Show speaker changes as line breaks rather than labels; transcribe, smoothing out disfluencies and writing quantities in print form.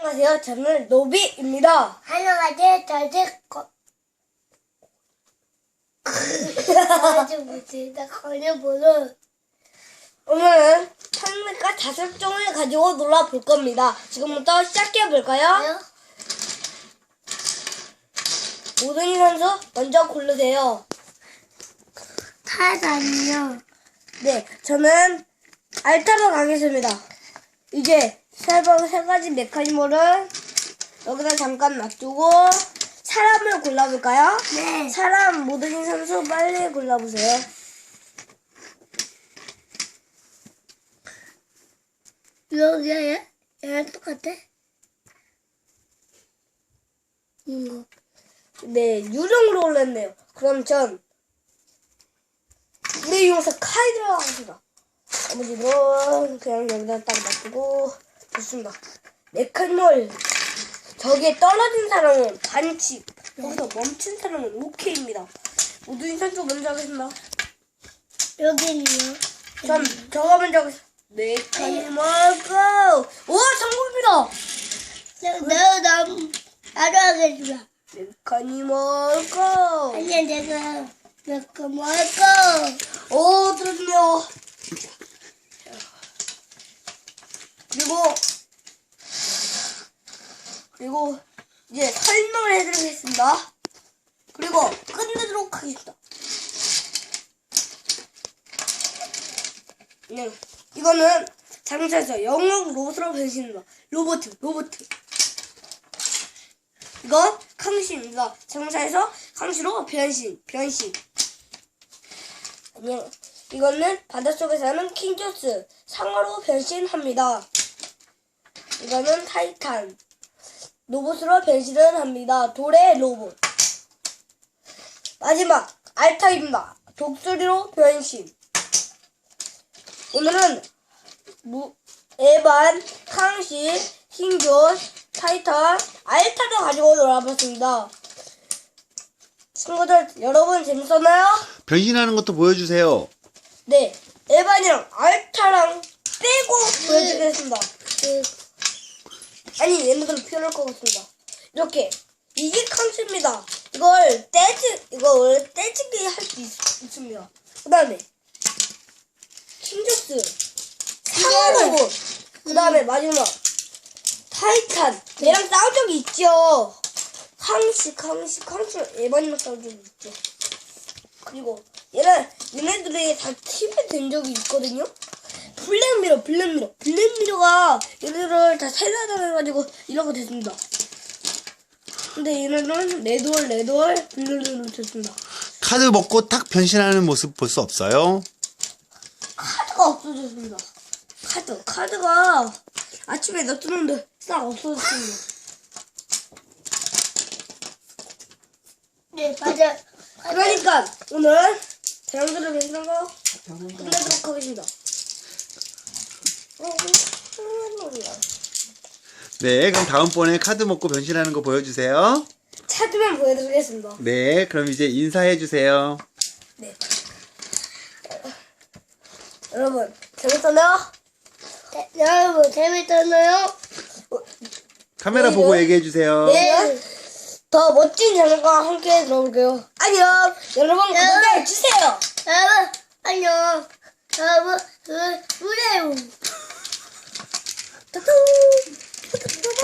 안녕하세요. 저는 노비입니다.
안녕하세요. 저는 건여보는
오늘은 창문과 자습종을 가지고 놀아볼 겁니다. 지금부터 시작해볼까요? 모든이 선수 먼저 고르세요.
타단이요.
네, 저는 알타로 가겠습니다. 이제 세 가지 메카니멀을 여기다 잠깐 놔두고 사람을 골라볼까요?
네.
사람 모든이 선수 빨리 골라보세요.
여기야? 얘랑 똑같아? 이거.
네, 유령으로 골랐네요. 그럼 전 우리 용사 카이드로 하겠습니다. 나머지는 그냥 여기다 딱 놔두고 좋습니다. 메카니멀 저기에 떨어진 사람은 반칙, 여기서 멈춘 사람은 오케이입니다. 모든 선수 먼저 하겠습니다.
여기는요?
저가 먼저 하겠습니다. 메카니멀 고! 오, 성공입니다.
나도 하겠습니다.
메카니멀 고!
아니야, 내가 몇거 먹을거.
오, 들어주네요. 그리고 이제 설명을 해드리겠습니다. 그리고 끝내도록 하겠습니다. 네, 이거는 장사에서 영웅 로봇으로 변신입니다. 로봇. 이건康씨입니다. 장사에서康씨로 변신. 안녕. 이거는 바닷속에 사는 킹조스 상어로 변신합니다. 이거는 타이탄 로봇으로 변신을 합니다. 돌의 로봇. 마지막 알타입니다. 독수리로 변신. 오늘은 에반,康씨, 킹조스, 타이탄, 알타도 가지고 놀아봤습니다. 친구들 여러분 재밌었나요?
변신하는 것도 보여주세요.
네, 에반이랑 알타랑 빼고 보여드리겠습니다. 아니, 얘네들은 필요할 것 같습니다. 이렇게 이게康씨입니다. 이걸 떼지기 할 수 있습니다. 그 다음에 킹조스 상어로봇, 그 다음에 마지막 타이탄. 얘랑 싸운 적이 있죠.康씨 에반이랑 싸운 적이 있죠. 그리고 얘네들이 다 팀이 된 적이 있거든요. 블랙미러가 얘네들을 다 살려다녀가지고 이렇게 됐습니다. 근데 얘네들은 레드월 블랙미러 됐습니다.
카드 먹고 딱 변신하는 모습 볼 수 없어요?
카드가 없어졌습니다. 카드가 아침에 놔두는데 싹 없어졌습니다.
네, 맞아.
그러니까 오늘 대형들을 변신한 거 끝내도록 하겠습니다.
네, 그럼 다음번에 카드 먹고 변신하는 거 보여주세요.
찾으면 보여드리겠습니다.
네, 그럼 이제 인사해주세요.
네. 여러분 재밌었나요?
여러분, 재밌었나요?
카메라
네,
보고
네.
얘기해주세요.
네. 더 멋진 장면과 함께 들어볼게요. 안녕. 여러분 구독해주세요.
여러분, 안녕. 여러분, 그래요.
따뚱.